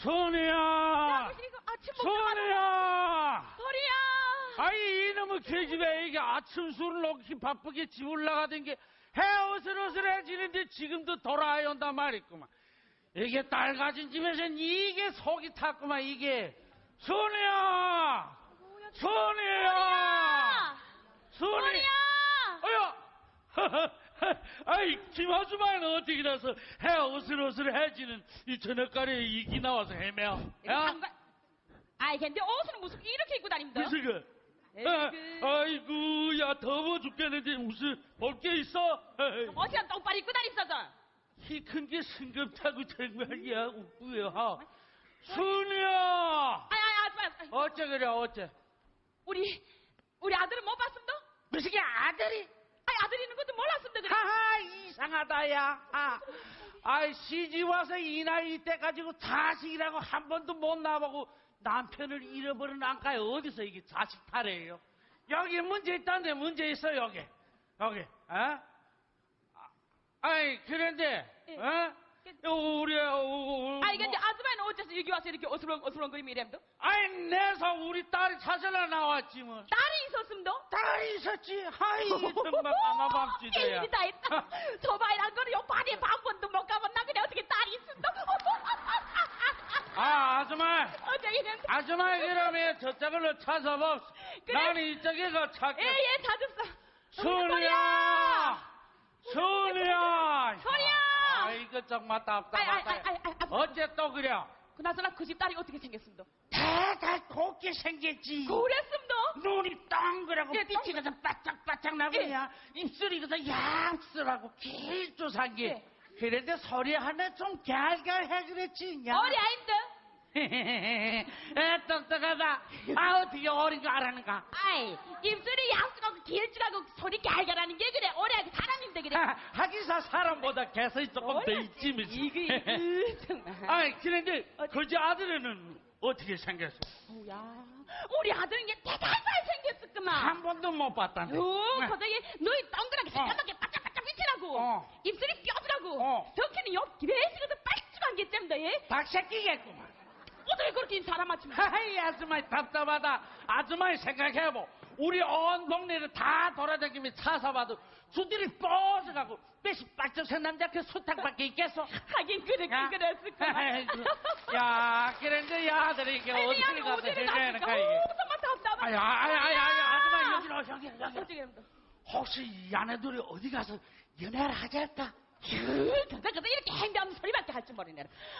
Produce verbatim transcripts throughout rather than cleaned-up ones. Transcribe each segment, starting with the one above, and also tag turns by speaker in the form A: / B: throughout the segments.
A: 선우야! 선우야!
B: 소리야!
A: 아이, 이놈의 계집애, 이게 아침 술을 넣기 바쁘게 집 올라가던 게 헤어슬어슬해지는데 지금도 돌아야 온단 말이구만. 이게 딸 가진 집에선 이게 속이 탔구만, 이게. 선우야! 선우야! 선우야! 어여! 아이, 김아주마는 어떻게 나서 헤어슬어슬해지는 이 저녁가리에 이기 나와서 헤매어.
B: 장관... 아이, 근데 옷은 무슨 이렇게 입고 다닙니다.
A: 무슨 그? 아, 아이고, 야, 더워 죽겠는데 무슨 볼 게 있어?
B: 어시간 똥빨 입고 다니셔서.
A: 키 큰 게 승급타고 정말이야, 웃고요. 순이야!
B: 아이, 아이, 아이,
A: 어째 그래, 어째?
B: 우리, 우리 아들은 못 봤습니다?
A: 무슨 게 아들이?
B: 아이, 아들이 있는 것도 몰랐습니다, 그래.
A: 하하, 이상하다, 야. 아, 아이, 시집 와서 이 나이 때 가지고 자식이라고 한 번도 못 나보고 남편을 잃어버린 안가에 어디서 이게 자식 탈이에요? 여기 문제 있다는데 문제 있어, 여기. 여기, 어? 아이, 그런데,
B: 예.
A: 어? 우리, 어, 어,
B: 아이, 근데 아줌마는 어째서 여기 와서 이렇게 어슬렁, 어슬렁거리며 이래도?
A: 아이, 내서 우리 딸이 찾으러 나왔지, 뭐.
B: 딸이 있었습니다?
A: 딸이 있었지. 하이, 정말 까마밤지대야.
B: 일이 다 했다. 저 바이란 거는 요 바디에 반 번도 못 가봤나? 그래, 어떻게 딸이 있었다?
A: 아, 아줌마.
B: 어쩌기는.
A: 아줌마, 그러면 저쪽으로 찾아봅.
B: 그래.
A: 나는 이쪽에 가 찾게.
B: 예, 예, 찾았어.
A: 소리야! 소리야!
B: 소리야!
A: 아, 이거 정말 답답하다.
B: 아이, 아이, 아이, 아이, 아이.
A: 어째 또 그래?
B: 그나저나 그 집 딸이 어떻게 생겼습니다?
A: 대달 곱게 생겼지.
B: 그랬습니다.
A: 눈이 동그랗고
B: 예,
A: 빛이 그서 바짝바짝 나고야.
B: 예.
A: 입술이 그서 얌쓸하고 길쭉한 게.
B: 예.
A: 그런데 소리 하나 좀 갈갈해 그랬지.
B: 어리 아인데.
A: 에, 똑똑하다. 아, 어떻게 어린 거 알았는가?
B: 아이, 입술이 얌쓸하고 길쭉하고 소리 갈갈하는 게 그래. 어리하게 사람인데 그래.
A: 하, 하기사 사람보다 개성이 조금 더 있지, 뭐.
B: 이거, 이거, 정말.
A: 아이, 그런데 그지 아들은 어떻게 생겼어?
B: 뭐야, 우리 아들은 게 대단히 잘생겼었구만.
A: 한 번도 못 봤다네.
B: 요, 거저기 눈이 동그랗게 새까맣게 바짝바짝 빛이 나고
A: 어.
B: 입술이 뼈들하고
A: 어.
B: 덕키는 옆 기베시가도 빨쭉한 게 잼다, 예?
A: 박새끼겠구만.
B: 어떻게 그렇게 사람 맞춤?
A: 하이, 아줌마 답답하다. 아줌마 생각해보. 우리 온 동네를 다 돌아다니며 찾아봐도 주들이 뻗어가고 뺏이 빡쩍한 남자 그 수탉밖에 있겠어?
B: 하긴 그렇게
A: 야.
B: 그랬을까.
A: 야, 그런데 야, 아들이 이게 어디를 가서 해줘야하는가 이게.
B: 정말 답답하다.
A: 아야, 아야, 아야, 아야, 아줌마 여기 와, 여기, 여기.
B: 어떻게 합니다?
A: 혹시 이 아내들이 어디 가서 연애를 하지 않을까?
B: 그저 그저 이렇게 행대하는 소리밖에 할 줄 모르네.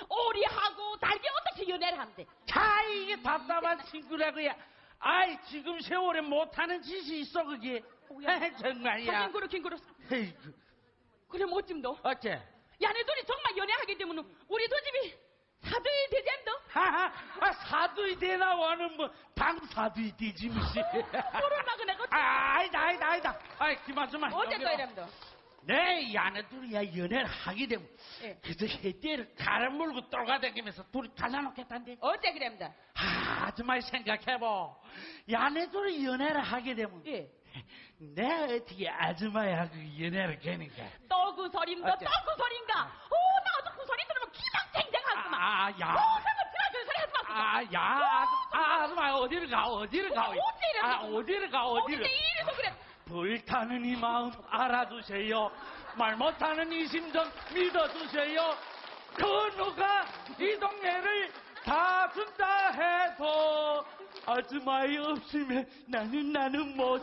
B: 오리하고 달기 어떻게 연애를 한대?
A: 자, 이게 답답한 친구라고야. 아이, 지금 세월에 못하는 짓이 있어, 그게. 정말이야.
B: 하긴 그렇긴 그렇소.
A: 에이구.
B: 그래 못 짐도.
A: 어째?
B: 야네들이 정말 연애하게 되면 우리 두 집이 사돈이 되지 않도?
A: 하하, 아, 사두이 되나와는 뭐, 당사두이 되지, 무시.
B: 모르나 그네 거.
A: 아, 아니다, 아니다, 아니다. 아이, 그만좀만.
B: 어째 또 이랍니다.
A: 네, 이 아내들이야 연애를 하게 되면
B: 예.
A: 그저 해대를 갈아물고 돌아다니면서 둘이 갈라놓겠단데.
B: 어째 그랍니다.
A: 아, 아줌마 생각해보. 이 아내들이 연애를 하게 되면
B: 예.
A: 내가 어떻게 아줌마하고 연애를 하는가?
B: 또 그 소린가?
A: 어째?
B: 또 그 소린가? 오, 나 어제 그 소리 들으면 기방 쟁쟁하구만.
A: 아, 아, 야.
B: 오, 그거 지나 그 소리 하지 마시고.
A: 아, 야, 아, 아줌마 어디를 가, 어디를 가?
B: 어째 이래?
A: 아, 어디를 가, 어디를?
B: 어째 이래서 그래?
A: 불타는 이 마음 알아주세요. 말 못하는 이 심정 믿어주세요. 그 누가 이 동네를 다 준다 해도 아줌마이 없으면 나는 나는 못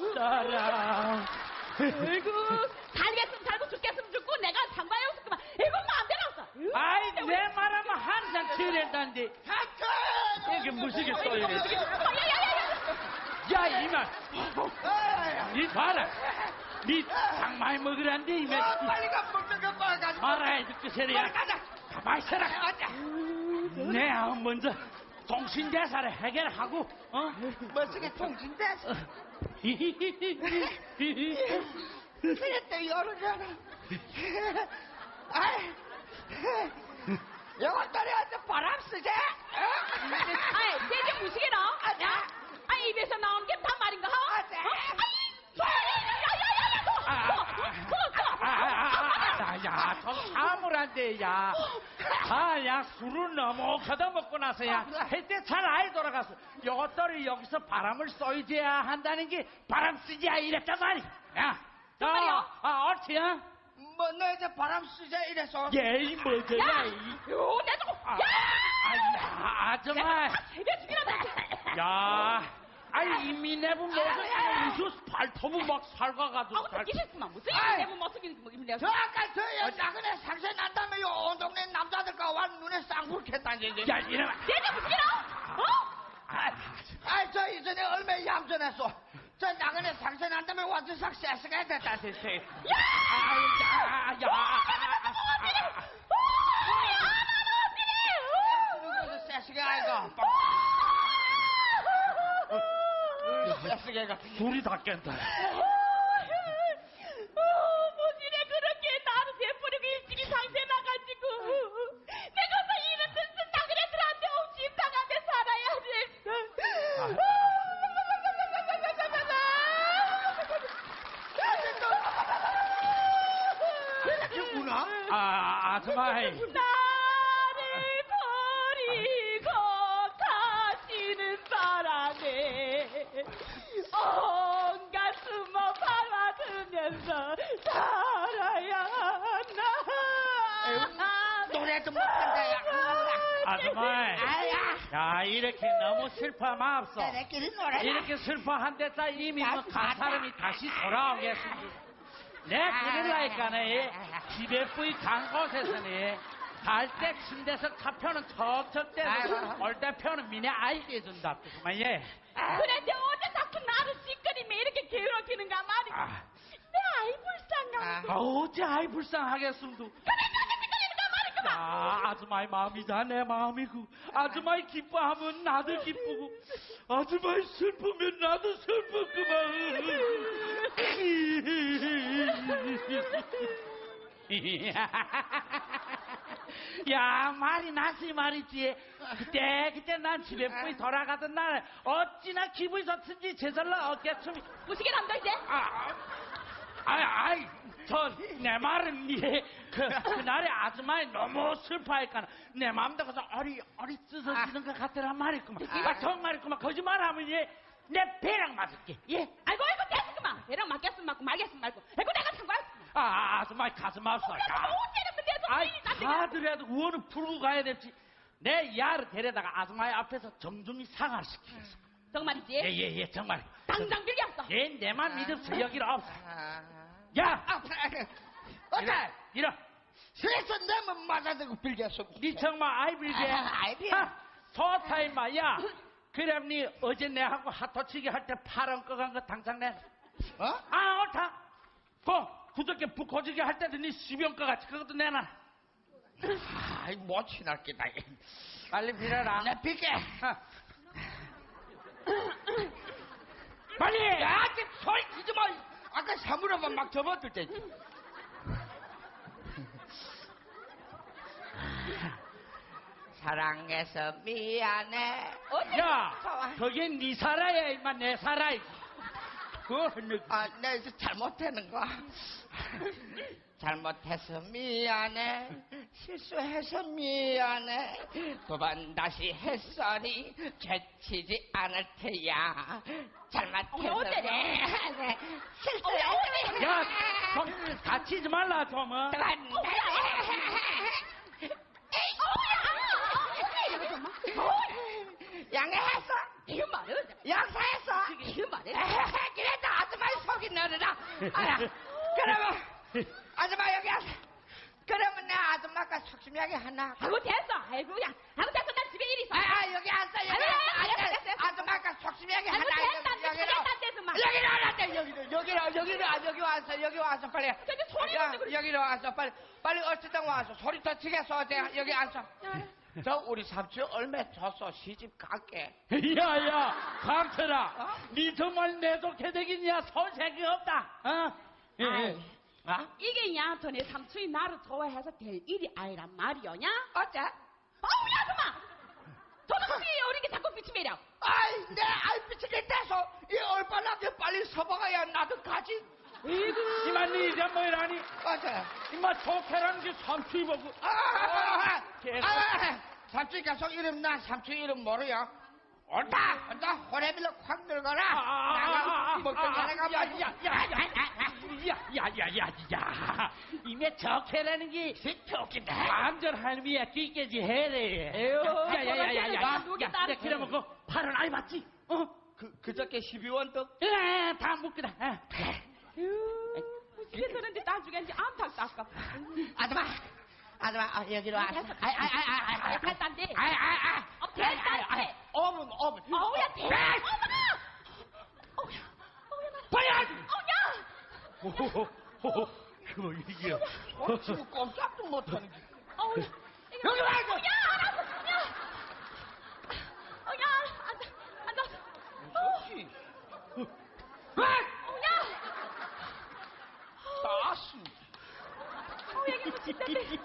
A: 살아.
B: 아이고, 살겠으면 살고 죽겠으면 죽고 내가 상관이 없었구만. 이건 마음대로 없어.
A: 아이, 내 말하면 항상 치랜다는데.
C: 잠깐!
A: 이게 무시겠어, 이래.
B: 야야야야.
A: 야, 이만. 니 봐라. 니 장마에 먹으란데, 이만.
C: 아, 빨리 가, 먹는 거 봐가지고.
A: 말아야 듣고 세리야.
C: 빨리 가자.
A: 가만히 있어라.
C: 가자.
A: 내 아은 먼저 동신대사를 해결하고, 어?
C: 멋지게 통진대서. 그랬대, 열어줘라. 아이, 영원딸이한테 바람 쓰지?
B: 아이, 내게 무시게라.
C: 아자.
B: 아, 입에서 나오는 게 다 말인가?
C: 아자.
B: 야야야야.
A: 아, 아, 아, 아, 아, 야, 좀 참으라. 오란데, 야. 아, 야, 술을 너무 걷어먹고 나서야. 할때 잘 아이 돌아가서. 요것들이 여기서 바람을 쏘이줘야 한다는 게 바람 쓰지야 이랬단 말이야. 야.
B: 정말요?
A: 아, 옳지, 어?
C: 뭐, 너 이제 바람 쓰자 이래서.
A: 예, 이 뭐지,
B: 야!
A: 야, 이.
B: 요, 내 저거!
A: 아,
B: 야!
A: 아, 아줌마.
B: 세배 죽이라다!
A: 야, 아니 이미 내분 무슨 발톱은 막 살가가지고.
B: 아우, 듣기셨구만. 무슨
C: 아이.
B: 내부 못 속이는 뭐, 이런
C: 저 아까 저요 나그네 상세 난다며 요온 동네 남자들과 와 눈에 쌍불 켰다니.
A: 야, 이러면.
B: 내가 무슨 일어? 어?
A: 아,
C: 아이 저 이전에 얼마나 얌전했어. 저 나그네 상세 난다며 완전 싹 쎄스가 됐다 대체.
B: 야!
A: 아, 야, 야.
C: 그래서 쎄스가 아이가. 쎄스가.
A: 둘이 다 깬다.
B: 무지래 그렇게 나를 내버리고 일찍이 상세 나가지고 내가 다 이런 뜻은 나그네들한테 옥심 당하며 살아야 됐어.
C: 누구나?
A: 아, 아줌마.
B: 나를 버리고 가시는 바람에 온 가슴을 박아들면서 살아야 하나.
C: 노래도 못한다 야.
A: 아줌마.
C: 아야.
A: 야, 이렇게 너무 슬퍼하면 없어.
C: 너네끼리 노래.
A: 이렇게 슬퍼한데다 이미 뭐 간 사람이 다시 돌아오겠습니다. 내 그럴라니까네. 집에 뿌이 간 곳에서는 갈 때 침대에서 차표는 척척 대서 올 때 표는 미네 알게 해준다. 그만 예.
B: 그런데 어제 자꾸 나를 시끄리면 이렇게 괴롭히는가 말이야.
A: 아,
B: 내 아이 불쌍한.
A: 아, 어째 아이 불쌍하겠음도. 아, 아줌마의 마음이다 내 마음이고 아줌마의 기뻐하면 나도 기쁘고 아줌마의 슬프면 나도 슬프구만. 야, 말이 나지 말이지. 그때 그때 난 집에 뿌이 돌아가던 날 어찌나 기분이 좋든지 제절로 어깨춤이.
B: 무시게 남다 이제.
A: 아, 아이, 아이, 전, 내 말은, 예, 그, 그날에 아줌마이 너무 슬퍼하니까, 내 마음도 그래서 어리, 어리 찢어지는 것 같더란 말이구만. 아, 정말이구만. 거짓말하면, 예, 내 배랑 맞을게, 예.
B: 아이고 아이고 됐구만. 얘랑 맞겠으면 맞고 말겠으면 말고. 아이고 내가 상관없어.
A: 아, 아줌마이 가슴 아파.
B: 그래서 뭐 어째는 내서
A: 아이,
B: 미리 나한테.
A: 가더라도 우원은 풀고 가야 될지. 내 야를 데려다가 아줌마의 앞에서 정중히 사과를 시키겠어.
B: 정말이지?
A: 예, 예, 예, 정말.
B: 당장 빌렸어.
A: 예, 내만 믿음서 여기로 없어.
C: 아.
A: 야!
C: 아, 어때?
A: 이러.
C: 그래서 내면 맞아들고 빌겠어.
A: 니 정말 아이빌게.
C: 아, 아이비야.
A: 하, 좋다 임마. 야, 그럼 니 어제 내하고 하토치기 할 때 파란 꺼간 거 당장 내.
C: 어?
A: 아, 옳다. 그 그저께 북코지기 할 때도 니 시병 거 같이 그것도 내놔.
C: 아이 못 지날 게다.
A: 빨리 빌어라.
C: 내 빌게.
A: 하. 빨리.
C: 야, 좀 소리 지지 마. 아까 사물함만 막 접어들 때. 사랑해서 미안해.
A: 야, 그게 니 살아야 임마 내 살아. 그
C: 아, 내가 이제 잘못하는 거야. 잘못해서 미안해. 실수해서 미안해. 두 번 다시 햇살이 죄치지 않을 테야. 잘못해서
B: 어때?
C: 미안해. 실수해서
A: 야, 좀 다치지 말라 좀. 어?
C: 양해했어.
B: 이거 말은
C: 양사했어.
B: 이거 말은
C: 그래도 아줌마의 속이 너르라. 알아. 그러면 아줌마 여기 와서. 그러면 내 아줌마가 속심하게 하나.
B: 아이고 됐어. 아이고 야. 아이고 됐어. 난 집에 일이 있어.
C: 아, 아 여기 앉아 여기
B: 아이고,
C: 앉아.
B: 됐어, 됐어.
C: 아줌마가 속심하게
B: 아이고
C: 하나.
B: 됐다. 됐다. 됐다. 마.
C: 여기로 와라. 여기로 여기로 여기로 와, 여기 와서 여기 와서 빨리.
B: 저기 소리
C: 야,
B: 지르고.
C: 여기로 와서 빨리 빨리 어찌든 와서 소리 더 치겠어. 어때? 여기 앉아. 저 우리 삼촌 얼마 줬어 시집 갈게.
A: 야야, 감춰라.
C: 어?
A: 니 정말 내독해 되겠냐? 손색이 없다. 어? 예, 예.
C: 아이. 어?
B: 이게 야, 전에 삼촌이 나를 좋아해서 될 일이 아니란 말이오냐?
C: 어째?
B: 아우, 야, 그만! 저도 그게 어리게 자꾸 비치매려.
C: 아이 내 알피치게 돼서 이 얼빠나게 빨리 서봐가야 나도 가지.
A: 이거 이만니 이제 뭐라니?
C: 어째?
A: 이마 좋게라는 게 삼촌이 보고.
C: 아, 아, 아,
A: 계속.
C: 아, 아, 삼촌 계속 이름 나 삼촌 이름 모르요. 옳다. 혼자 호래빌로 확 늙어라. 나가 먹던 자네가
A: 야야야야야야야야야야야 이메 적해라는 게
C: 좋겠다.
A: 완전 할미야 끼깨지 해래. 야야야야야. 야 그러면 그 팔은 아이 맞지? 어?
C: 그 그저께 십이원 떡.
A: 예, 다 묶으다.
B: 그랬었는데 나중에 이제 암탉도 아깝다.
C: 아줌마, 아줌마 아, 여기로 와.
B: 됐어.
C: 아이 아이 아이 아이 아이.
B: 됐단데.
C: 아이 아이 아이.
B: 어, 됐단데.
C: 오분 오분.
B: 어우야, 대.
C: 네.
B: 어머나. 어우야, 어우야, 나.
A: 과연.
B: 어우야.
A: 호호호. 그거 이게.
C: 어, 지금 꼼짝도 못하는 게.
B: 어우야.
C: 여기 와.
B: 어우야, 알았어. 야. 어우야, 앉아, 앉아.
C: 그렇지.
B: 어우야.
C: 따스.
B: 어우야, 이게 미친다네.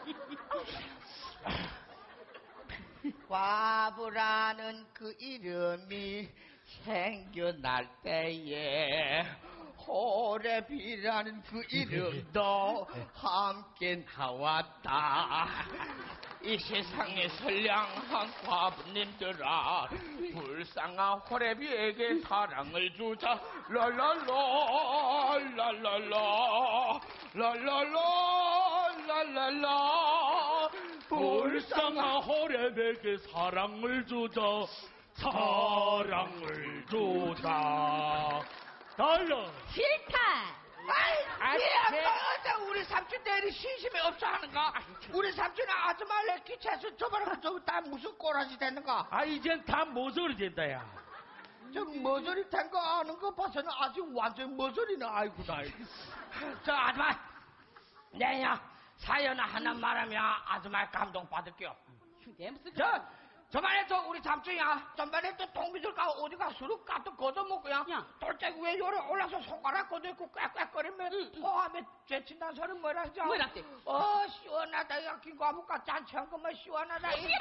C: 과부라는 그 이름이 생겨날 때에 호래비라는 그 이름도 함께 나왔다. 이 세상에 선량한 과부님들아, 불쌍한 호래비에게 사랑을 주자. 랄랄라 랄랄라 랄랄라 랄랄라.
A: 불쌍한 호랩에게 사랑을 주자. 사랑을 주자. 달라.
B: 싫다.
C: 아이, 이 아빠, 우리 삼촌 대리 신심이 없어 하는가? 우리 삼촌은 아줌마를 기차에서 저번에 저다 무슨 꼬라지 됐는가?
A: 아 이젠 다 모서리 된다 야.
C: 저 머저리 된 거 아는 거 봐서는 아직 완전 머저리는 아이고 나. 저 아줌마, 내야 사연 하나 말하면 아줌마 감동 받을게요.
B: 내 무슨
C: 저 저번에 저 우리 삼촌이야. 전번에 또 동비들과 어디가 술을 까도 걷어먹고야.
B: 야.
C: 돌짝 위에 요래 올라서 손가락 걷어있고 꽥꽥거리면 토하면 죄친다는 소리 뭐라 하죠?
B: 뭐라지?
C: 어 시원하다. 야 김과묵과 잔치한 것만 시원하다.
B: 시끄러.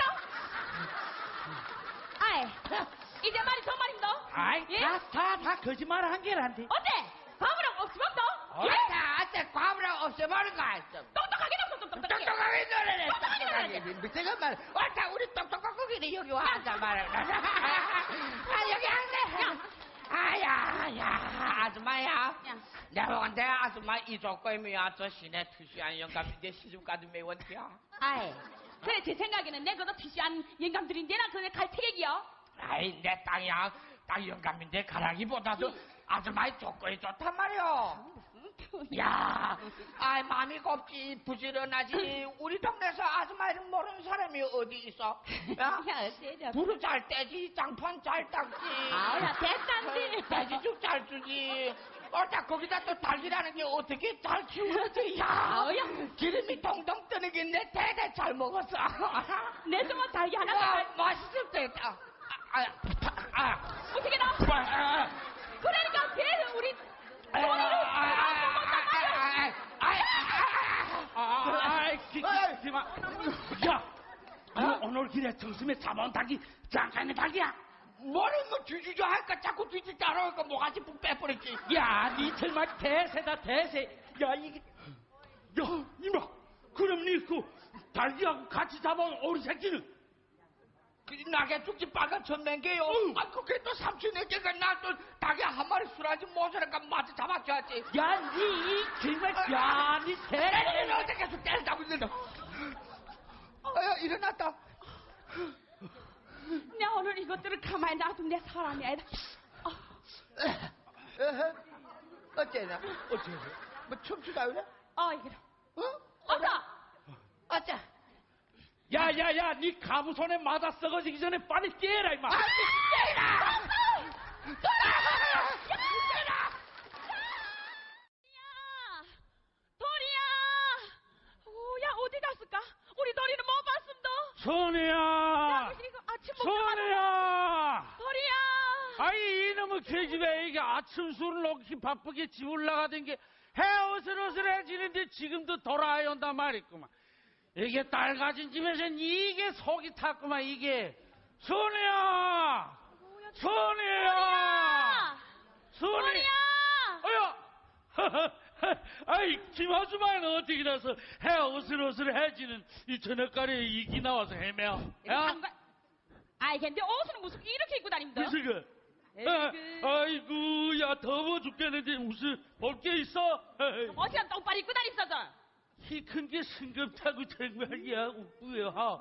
B: 아이, 이제 말이 정말입니다.
A: 아이
B: 예?
A: 다다 다 거짓말 한 개란데.
B: 어때? 과부랑 없이 먹도?
C: 아따 아따 과부랑 없애버린 거 알죠?
B: 똑똑하게 나서 똑똑하게.
C: 똑똑하게 노래네.
B: 똑똑하게 노래네.
C: 밑에가 말. 왔다 우리 똑똑한 거기는 여기 와 앉아 말해. 아 여기 앉네. 아야 야 아줌마야.
B: 야.
C: 내가 본데 아줌마 이조거이면 저 시내 투시한 영감인데 시집가도 매원티야.
B: 아이, 그래 제 생각에는 내 그거 티시한 영감들인데 나 그네 갈태객이요.
C: 아이 내 땅이야. 땅 영감인데 가라기보다도 아줌마의 조건이 좋단 말이오. 야, 아이 마음이 곱지 부지런하지. 우리 동네에서 아줌마 이름 모르는 사람이 어디 있어? 야,
B: 어째죠?
C: 불을 잘 떼지, 장판 잘 닦지.
B: 아우야, 됐단지.
C: 돼지죽 잘 주지. 어따 거기다 또 닭이라는 게 어떻게 잘 키우는지. 야,
B: 아우야.
C: 기름이 동동 뜨는 게 내 대대 잘 먹었어.
B: 내 정말 달기 하나
C: 와,
B: 더.
C: 맛있을 때다. 아, 아, 아.
B: 어떻게 나?
C: 아, 아.
B: 그러니까 걔는 우리 소리를
A: 아이 기기마. 야, 너 오늘 길에 정심에 잡아온 닭이 잠깐의 닭이야.
C: 뭐는 뭐 뒤지자 할까 자꾸 뒤지 따라오니까 뭐가지 푹 빼버렸지.
A: 야, 니 정말 대세다 대세. 야 이게, 야 이마. 그럼 니그 닭이하고 같이 잡아온 오리 새끼는?
C: 그 나게 죽지 빨간 천맹개요. 아 그게 또 삼촌에게가 나 또 닭이 한 마리 술하지 모자라니까 마저 잡아줘야지.
A: 야, 니 정말 야, 니
C: 때리는
A: 새.
C: 어떻게 계속 때리다고 있는다. 아야 일어났다.
B: 내가 오늘 이것들을 가만히 놔둔 내 사람이 아니다. 어,
C: 에헤. 어째나? 어째? 뭐 춤추다 그래?
B: 어 이거.
C: 어?
B: 어서.
C: 어째?
A: 야, 야, 야, 니 가부 손에 맞아 썩어지기 전에 빨리 깨라 임마.
C: 아, 깨라!
B: 야, 도리야. 오야 어디 갔을까? 우리 도리는 못 봤습니다.
A: 선우야,
B: 야, 이거 아침 먹자마자.
A: 선우야.
B: 도리야.
A: 아이 이놈의 계집애 이게 아침 술을 놓기 바쁘게 집 올라가던 게 해어슬어슬해지는데 지금도 돌아야 온단 말이구만. 이게 딸 가진 집에선 이게 속이 탔구만 이게. 선우야, 선우야, 선우야.
B: 도리야.
A: 어여, 아이, 김아주마는 어떻게 나서 해 어슬어슬해지는 이 저녁가리에 이기 나와서 헤매어. 야?
B: 상관... 아이 근데 옷은 무슨 이렇게 입고 다닙니다.
A: 무슨 그?
B: 에이구.
A: 아이고, 야, 더워 죽겠는데 무슨 볼 게 있어?
B: 어시간 똥바리 입고 다니셔서.
A: 키 큰 게 승급타고 정말이야, 웃고요.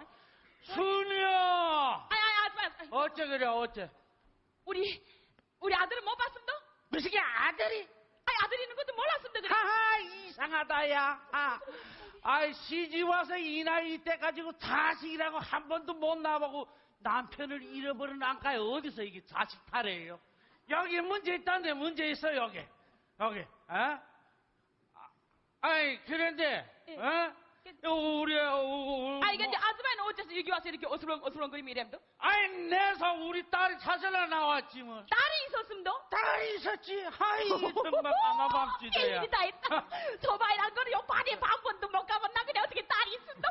A: 순이야!
B: 아이 아이 아줌마.
A: 어째 그래, 어째?
B: 우리 우리 아들은 못 봤습니다.
A: 무슨 게 아들이?
B: 아이 아들 있는 것도 몰랐습니다. 그래.
A: 하하, 이상하다, 야. 아, 아이, 시집 와서 이 나이 때 가지고 자식이라고 한 번도 못 나보고 남편을 잃어버린 안가에 어디서 이게 자식 탈이에요? 여기 문제 있다는데 문제 있어, 여기. 여기, 어? 아이, 그런데,
B: 예.
A: 어? 우리, 어, 어,
B: 아이 근데 아줌마는 어째서 여기 와서 이렇게 어슬렁 어슬렁거리며 이래도?
A: 아이, 내서 우리 딸이 찾으러 나왔지, 뭐.
B: 딸이 있었습니다.
A: 딸이 있었지. 하이, 정말 까마밤지대야.
B: 일이 다 있다. 저 바이란 거는 요 바디에 반 번도 못 가봤나 그래 어떻게 딸이 있습니다.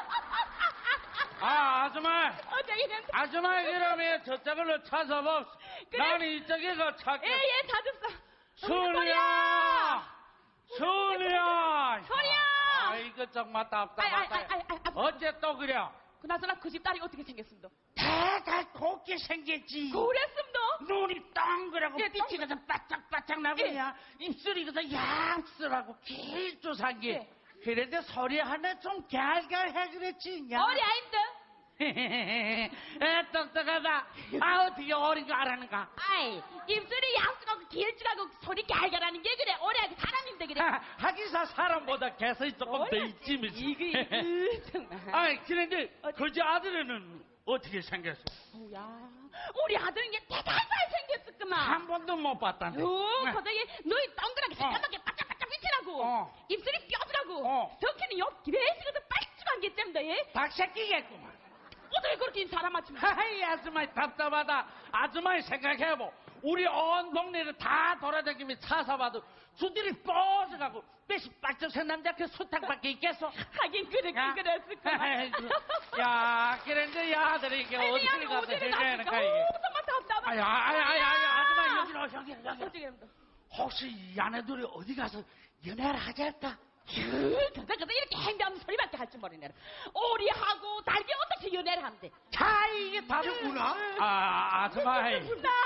A: 아, 아줌마.
B: 어제 이런.
A: 아줌마, 그러면 저쪽으로 찾아봅.
B: 그래.
A: 나는 이쪽에 가 찾게.
B: 예예 찾았어.
A: 순이야! 순이야!
B: 소리야!
A: 아이고, 정말 답답하다.
B: 아이, 아이, 아이, 아이, 아이.
A: 어째 또 그래?
B: 그나저나 그 집 딸이 어떻게 생겼습니다.
A: 대달 곱게 생겼지.
B: 그랬습니다.
A: 눈이 동그랗고
B: 예,
A: 빛이 그저 바짝바짝 나고야. 입술이 그저 얌쓸하고 길쭉한 게.
B: 예.
A: 그런데 소리 하나 좀 갸갈해 그랬지. 야.
B: 어리 아인데.
A: 에, 똑똑하다. 아, 어떻게 어린 거 알았는가?
B: 아이 입술이 양수하고 길쭉하고 소리 갈갈하는 게 그래. 어리하게 사람인데 그래.
A: 하, 하기사 사람보다 개성이 조금 더 있지, 뭐지.
B: 이거 이거 정말.
A: 아이, 그런데 그지 아들은 어떻게 생겼어?
B: 뭐야? 우리 아들은 이게 대단히 잘생겼었구만.
A: 한 번도 못 봤다네.
B: 요, 거저기 눈이 동그랗게 새까맣게 바짝바짝 빛이 나고
A: 어.
B: 입술이 뼈들하고
A: 어.
B: 덕키는 옆 기베시가서 빨쭉한 게 잼다 얘.
A: 박새끼겠구만.
B: 어떻게 그렇게 사람 맞춤?
A: 하이, 아줌마 답답하다. 아줌마 생각해보. 우리 온 동네를 다 돌아다니며 찾아봐도 주들이 뻗어가고 뺏이 빠져서 남자 그 수탉밖에 있겠어?
B: 하긴 그렇게
A: 야.
B: 그랬을구만.
A: 야, 그런데 야, 아들이 이게 어디 가서 해줘야 하는가, 이게.
B: 정말 답답하다.
A: 아야, 아야, 아야, 아야, 아줌마 여기 와, 여기, 여기.
B: 어떻게 합니까?
A: 혹시 이 아내들이 어디 가서 연애를 하지 않을까?
B: 그저 그저 이렇게 행대하는 소리밖에 할 줄 모르네. 오리하고 달기 어떻게 연애를 한대?
A: 자, 이게 다르구나. 아, 아줌마.
B: 나를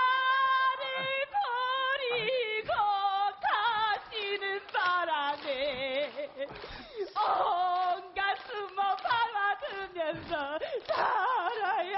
B: 버리고 가시는 바람에 온 가슴을 박아주면서 살아야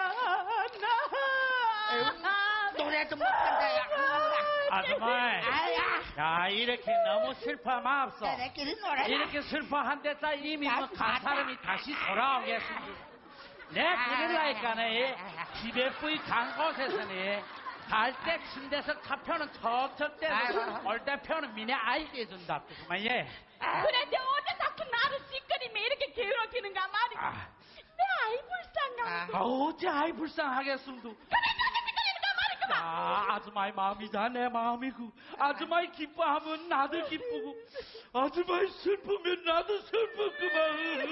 B: 하나.
C: 노래 좀 못한다, 야.
A: 아줌마.
C: 아야.
A: 야, 이렇게 너무 슬퍼하면 없어.
C: 너네끼리 노래라.
A: 이렇게 슬퍼한데다 이미 뭐 간 사람이 다시 돌아오겠습니다. 내 그럴라니까네. 집에 뿌이 간 곳에서는 갈 때 침대에서 차표는 척척 대서 올 때 표는 미네 알게 해준다. 그만 예.
B: 그런데 어제 자꾸 나를 시끄리면 이렇게 괴롭히는가 말이야.
A: 아.
B: 내 아이 불쌍한.
A: 아, 어째 아이 불쌍하겠음도.
B: 그래 그렇게 미끌리는가 말이구만.
A: 아, 아줌마의 마음이다 내 마음이고 아줌마의 기뻐하면 나도 기쁘고 아줌마의 슬프면 나도 슬프구만.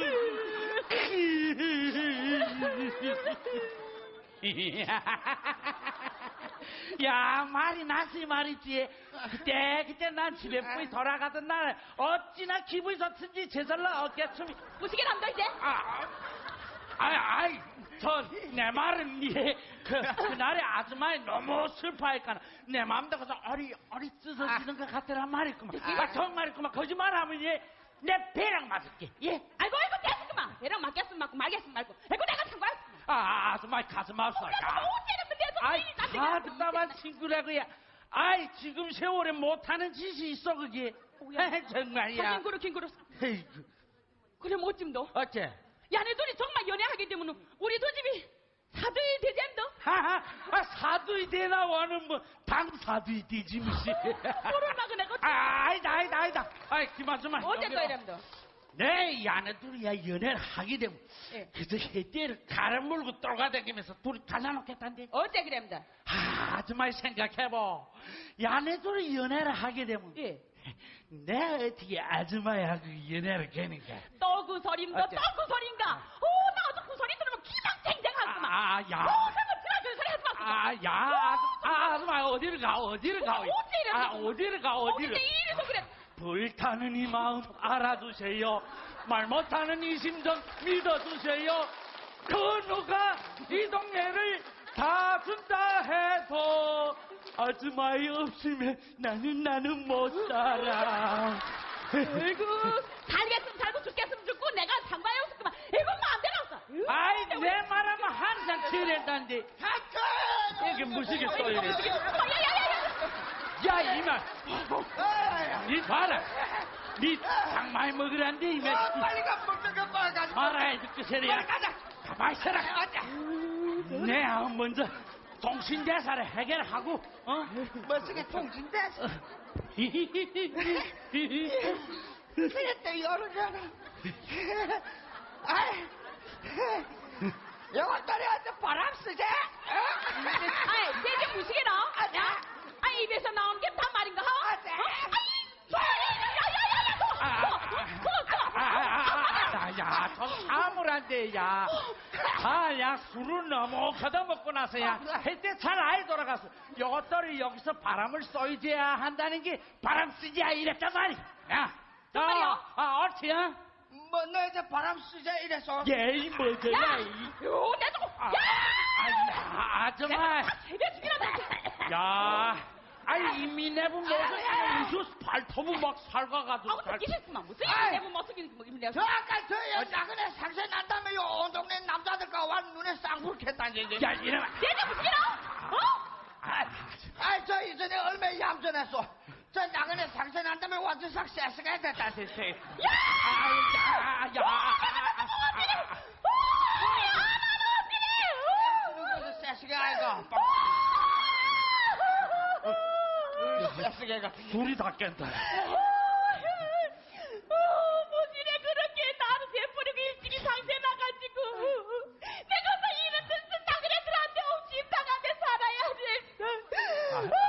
A: 야, 말이 나지 말이지. 그때 그때 난 집에 뿌이 돌아가던 날 어찌나 기분이 좋든지 제절로 어깨춤이.
B: 무시게 남다 이제.
A: 아, 아이, 아이, 저, 내 말은, 예, 그, 그날에 아줌마이 너무 슬퍼하니까, 내 마음도 그래서 어리, 어리 찢어지는 것 같더란 말이구만. 아, 정말이구만. 거짓말 하면, 예, 내 배랑 맞을게, 예.
B: 아이고, 아이고, 됐구만. 배랑 맞겠으면 맞고, 말겠으면 말고. 아이고, 내가 상관없어.
A: 아, 아줌마이 가슴 아파.
B: 야, 어째는 계속
A: 아이,
B: 일이 나한테
A: 답답한 친구라고야. 아이, 지금 세월에 못하는 짓이 있어, 그게.
B: 뭐야?
A: 정말이야.
B: 하긴 그렇긴 그렇소.
A: 에이구,
B: 그래, 뭐 어찜 너?
A: 어째?
B: 야네 둘이 정말 연애하게 되면 우리 두 집이 사도이 되지 않도?
A: 하하, 아, 사두이 되나 와는 뭐, 당사두이 되지, 무시.
B: 모르나 내가
A: 아, 아니다, 아니다, 아니다. 아이, 그만 좀 하.
B: 어째 또 이랬도?
A: 네, 이 아내들이야 연애를 하게 되면
B: 예.
A: 그저 해띠를 가라 물고 돌아다니면서 둘이 갈라놓겠단데.
B: 어째 그랬다?
A: 아, 아줌마 생각해보. 이 아내들이 연애를 하게 되면
B: 예.
A: 내가 어떻게 아줌마하고 연애를 하는가.
B: 또 그 소린가?
A: 어째?
B: 또 그 소린가? 오, 나 어제 그 소리 들으면 기장쟁쟁하구만.
A: 아, 야.
B: 오, 생각 드라그 소리 하지 마.
A: 아, 야, 아줌, 아, 아줌마 어디를 가, 어디를 가.
B: 어째 이랬어?
A: 아, 어디를 가, 어디를.
B: 어째 이래서 그래?
A: 불타는 이 마음 알아주세요. 말 못하는 이 심정 믿어주세요. 그 누가 이 동네를 다 준다 해도 아줌마이 없으면 나는 나는 못 살아.
B: 아이고, 살겠으면 살고 죽겠으면 죽고 내가 상관이 없었구만. 이거 마음대로 없어.
A: 아이 내 말하면 항상 지낸다는데 이게 무시겠어 이래. 야 이만 니 봐라 니 장 많이 먹으란데 이만
C: 어, 빨리 가 먹는 거 먹어가지고.
A: 말아야 듣게 세리야.
C: 빨리 가자.
A: 가만히 있어라. 내 아무 먼저 동신대사를 해결하고 어?
C: 멋지게 통진대. 그랬대 여름이잖아. 아이, 영원따리한테 바람 쓰지?
B: 아이, 대체 무시게라?
C: 아냐?
B: 아, 입에서 나오는 게 다 말인가? 어?
C: 아냐?
A: 야, 좀 사물한데, 야. 아, 야, 술을 너무 거둬 먹고 나서야. 그때 잘 아이 돌아가서. 요것들이 여기서 바람을 쏘이줘야 한다는 게 바람 쓰지야 이랬단 말이야. 야.
B: 정말이요?
A: 아, 옳지야?
C: 뭐, 너 이제 바람 쓰자 이래서.
A: 예, 이 뭐더라,
B: 야!
A: 이.
B: 요, 내 좀,
A: 아,
B: 야!
A: 아, 아줌마.
B: 세대 죽이라다.
A: 야. 아이, 이미 내분 먹었으면 무슨 발톱은 막 살가가지고.
B: 아우, 또 기셨구만. 무슨
C: 아이.
B: 내부 못쓰기 뭐 입는
C: 저 아까 저 여자근에 상세 난다며 요온 동네 남자들과 완 눈에 쌍불겠다니 이제.
A: 야, 이러면.
B: 대체 무시게라? 어?
A: 아,
C: 아이 저 이전에 얼마나 얌전했어. 저 나그네 상세 난다며 완전 싹 쎄스가 됐다 세세.
B: 야!
A: 아, 야, 야.
C: 그래서 쎄스가 아이가. 쎄스가.
A: 둘이 다 깬다.
B: 무시래 그렇게 나를 대뿌리고 일찍이 상세 나가지고 내가 서 이런 뜻은 나그네들한테 옥심 당한 데 살아야 됐어.